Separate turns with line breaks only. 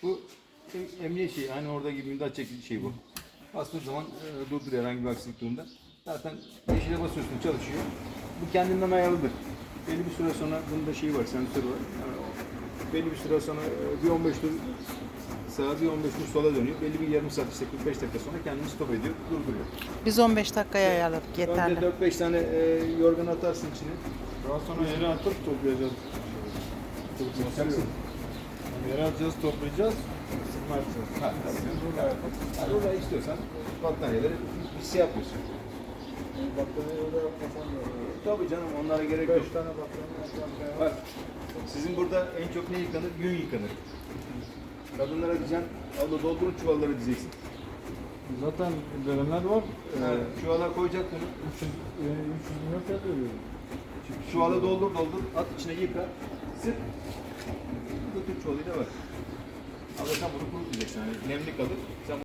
Bu emniyet şeyi, hani orada gibi müdahale çekici şey bu. Bastığı zaman durduruyor herhangi bir aksilik durumda. Zaten yeşile basıyorsun, çalışıyor. Bu kendinden ayarlıdır. Belli bir süre sonra, bunun da şeyi var, sensörü var. Yani belli bir süre sonra bir 15 tur sağa, bir 15 tur sola dönüyor. Belli bir yarım saat, işte 45 dakika sonra kendini stop ediyor, durduruyor.
Biz 15 dakikaya ayarladık yeterli.
Önce 4-5 tane yorgan atarsın içine.
Daha sonra yere atıp toplayacağız.
Yapacaksın.
Yere atacağız, toplayacağız. Sıkma yapacağız.
Ha, yani orada istiyorsan battaniyeleri bir şey yapıyorsun.
Battaniye öyle yapmasam da olur.
Tabii canım, onlara gerek yok.
5 tane battaniye yapacağım.
Bak, sizin burada en çok ne yıkanır? Gün yıkanır. Kadınlara diyeceksin, abla doldurun çuvalları diyeceksin.
Zaten verenler var.
Çuvala koyacak bunu.
300 milyon fiyat veriyorum.
Çuvala doldur, at içine yıka, sık. Götür çuvalıyla var. Ama sen bunu kurutmayacaksın, yani nemli kalır. Sen